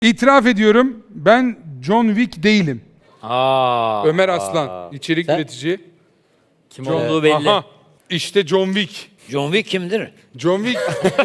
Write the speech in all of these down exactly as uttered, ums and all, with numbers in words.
İtiraf ediyorum, ben John Wick değilim. Aa, Ömer Aslan, içerik Sen? üretici. kim John, olduğu belli. Aha, işte John Wick. John Wick kimdir? John Wick,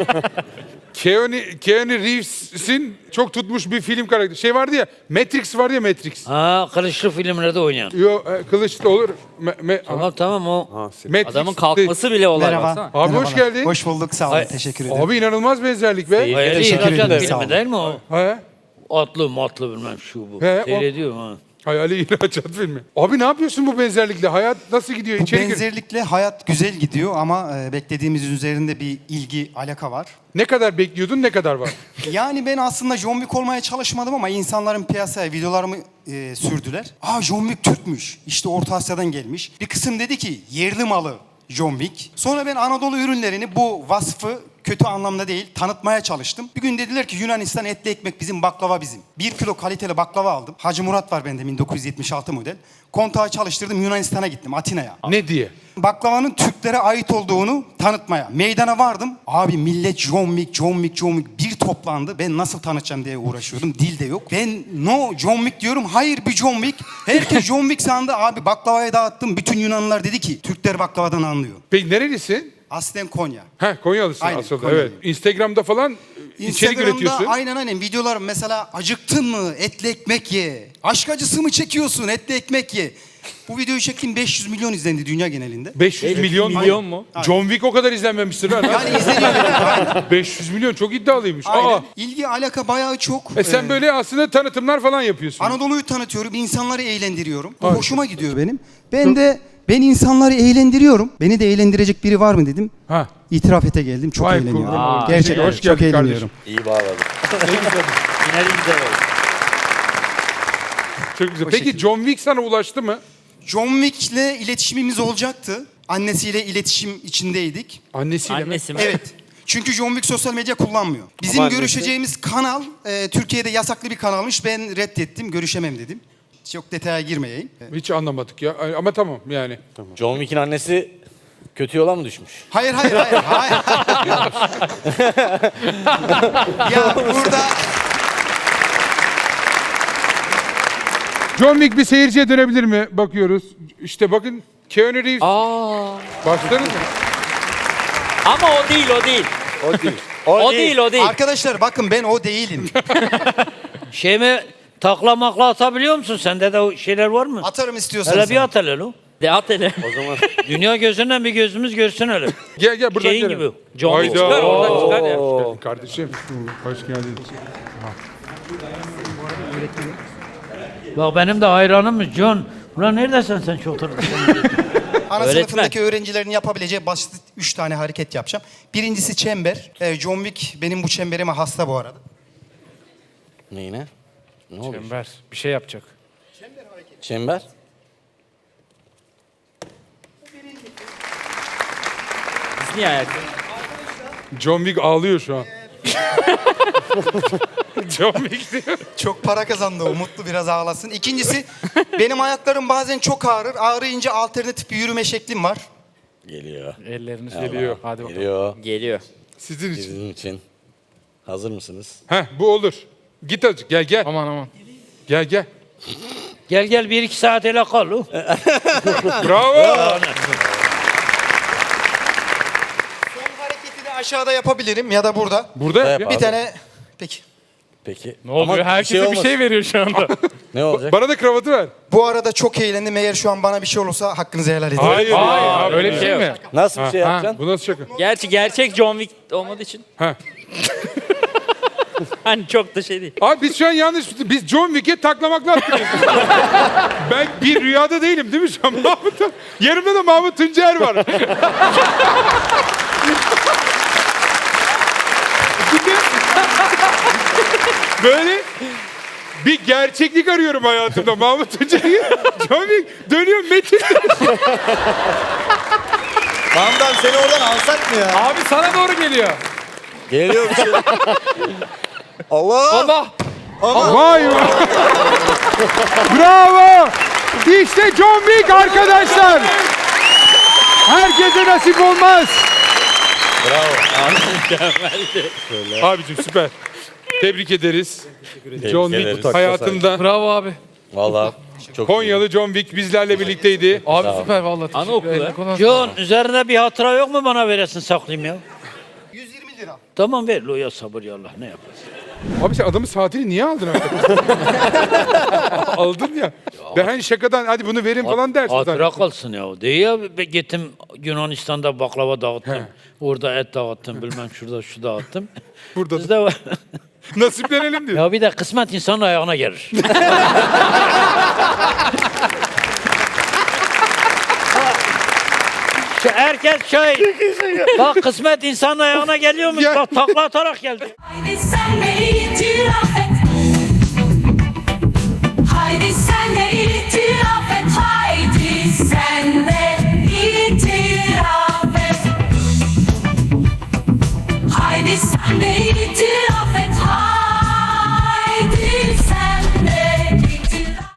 Keanu, Keanu Reeves'in çok tutmuş bir film karakteri. Şey vardı ya, Matrix vardı ya Matrix. Aa, kılıçlı filmlerde oynayan. Yo, e, kılıçlı olur. Me, me, Tamam tamam o. Matrix Adamın de- kalkması bile olay Merhaba. baksana. Abi hoş Merhabalar. geldin. Hoş bulduk, sağ olun. Ay- Teşekkür ederim. Abi inanılmaz benzerlik be. Hayali Teşekkür İhracat ederim, sağ filmi olun. değil mi o? He? Atlı matlı bilmem şu bu. He, o- Seyrediyorum ha. Hayali ihracat filmi. Abi ne yapıyorsun bu benzerlikle? Hayat nasıl gidiyor? Bu İçeri gir. benzerlikle hayat güzel gidiyor ama e, beklediğimiz üzerinde bir ilgi, alaka var. Ne kadar bekliyordun, ne kadar var? Yani ben aslında John Wick olmaya çalışmadım ama insanların piyasaya videolarımı e, sürdüler. Aa, John Wick Türkmüş. İşte Orta Asya'dan gelmiş. Bir kısım dedi ki yerli malı John Wick. Sonra ben Anadolu ürünlerini bu vasfı kötü anlamda değil tanıtmaya çalıştım. Bir gün dediler ki Yunanistan etli ekmek bizim, baklava bizim. Bir kilo kaliteli baklava aldım. Hacı Murat var bende, bin dokuz yüz yetmiş altı model. Kontağı çalıştırdım, Yunanistan'a gittim, Atina'ya. Ne diye? Baklavanın Türklere ait olduğunu tanıtmaya. Meydana vardım. Abi millet John Wick, John Wick, John Wick bir toplandı. Ben nasıl tanıtacağım diye uğraşıyordum. Dil de yok. Ben no John Wick diyorum. Hayır bir John Wick. Herkes John Wick sandı. Abi baklavayı dağıttım. Bütün Yunanlılar dedi ki Türkler baklavadan anlıyor. Peki nerelisin? Aslen Konya. Heh, Konyalısın Aynen, aslında. Konyalıyım. Evet. Instagram'da falan içerik Instagram'da üretiyorsun. aynen aynen videolar mesela acıktın mı etli ekmek ye. Aşk acısı mı çekiyorsun etli ekmek ye. Bu videoyu çektim, beş yüz milyon izlendi dünya genelinde. beş yüz milyon, milyon mu? John Wick o kadar izlenmemiştir ha. Yani izleniyor. Aynen. beş yüz milyon çok iddialıymış. Aynen. Aa. İlgi alaka bayağı çok. E sen Ee, böyle aslında tanıtımlar falan yapıyorsun. Anadolu'yu tanıtıyorum, insanları eğlendiriyorum. Bu hoşuma gidiyor benim. Ben de ben insanları eğlendiriyorum. Beni de eğlendirecek biri var mı dedim. Ha. İtiraf ete geldim. Çok Vay eğleniyorum. kurban olayım. Gerçekten Hoş çok geldin eğleniyorum. İyi bağladım. Yine de güzel oldu. Çok güzel. O Peki şekilde. John Wick sana ulaştı mı? John Wick'le iletişimimiz olacaktı. Annesiyle iletişim içindeydik. Annesiyle mi? Annesi mi? Evet. Çünkü John Wick sosyal medya kullanmıyor. Bizim Ama annesi- görüşeceğimiz kanal e, Türkiye'de yasaklı bir kanalmış. Ben reddettim. Görüşemem dedim. Çok detaya girmeyeyim. Hiç anlamadık ya. Ama tamam yani. John Wick'in annesi kötü yola mı düşmüş? Hayır hayır hayır. hayır. Ya burada John Wick bir seyirciye dönebilir mi? Bakıyoruz. İşte bakın Keanu Reeves. Aa. Başladınız mı? Ama o değil o değil. O değil. O değil o değil. arkadaşlar bakın ben o değilim. Şey mi takla makla atabiliyor musun? Sende de o şeyler var mı? Atarım istiyorsanız. Hele bir at hele lo. De at hele. O zaman Dünya gözünden bir gözümüz görsün öyle. Gel gel buradan Şeyin gel. gibi. John Wick Hayda. çıkar oradan çıkar ya. Hoş geldin kardeşim. Hoş geldin. Bak benim de hayranım John. Ulan neredesin sen çok oturdun? Ana Öğretmen. sınıfındaki öğrencilerin yapabileceği basit üç tane hareket yapacağım. Birincisi çember. Ee, John Wick benim bu çemberime hasta bu arada. neyine? Ne oldu? Çember bir şey yapacak. Çember. Biz niye ayak? John Wick ağlıyor şu an. John Wick diyor. Çok para kazandı o. Mutlu, biraz ağlasın. İkincisi benim ayaklarım bazen çok ağrır. Ağrıyınca alternatif bir yürüme şeklim var. Geliyor. Elleriniz Geliyor. Hadi bakalım. Geliyor. Geliyor. Sizin için. Sizin için. Hazır mısınız? Heh bu olur. Git azıcık gel gel. Aman aman. Gel gel. Gel gel bir iki saat hele kal. lo. Bravo. Son hareketi de aşağıda yapabilirim ya da burada. Burada yap ya. Yap Bir abi. tane... Peki. Peki. Ne oluyor? Ama Herkese bir şey, olmasın. veriyor şu anda. Ne olacak? Bana da kravatı ver. Bu arada çok eğlendim. Eğer şu an bana bir şey olursa hakkınızı helal edin. Hayır. ya. Hayır, öyle bir şey mi? Nasıl bir şey Ha, yapacaksın? bu nasıl şaka? Gerçi gerçek John Wick olmadığı için. Ha. Hani çok da şey değil. Abi biz şu an yanlış, biz John Wick'e taklamakla atıyoruz. Ben bir rüyada değilim değil mi şu an? Mahmut, yanımda da Mahmut Tuncer var. Böyle bir gerçeklik arıyorum hayatımda. Mahmut Tuncer'i, John Wick dönüyor Metin. Tamam seni oradan alsak mı ya? Abi sana doğru geliyor. Geliyor bir şey. Allah! Allah. Vay vay. Bravo. İşte John Wick arkadaşlar. Herkese nasip olmaz. Bravo. Abicim süper. Tebrik ederiz. John ederiz. Wick hayatında Bravo abi. Valla çok Konyalı John Wick bizlerle birlikteydi. Abi süper vallahi. Anaokulu. Anaokulu. John üzerinde bir hatıra yok mu bana veresin saklayayım ya? yüz yirmi lira. Tamam ver lo ya sabır ya Allah ne yaparsın. Abi sen adamın saatini niye aldın artık? Aldın ya. Ben hani şakadan hadi bunu verin falan dersin. Hatıra zaten. kalsın ya. Değil ya be- gittim Yunanistan'da baklava dağıttım. Orada et dağıttım bilmem şurada şu dağıttım. Burada Bizde var. nasiplenelim diyor. Ya bir de kısmet insanın ayağına gelir. Şu herkes şey. Bak kısmet insanın ayağına geliyormuş. Ya. Bak takla atarak geldi. Aynı sen beni itiraf et.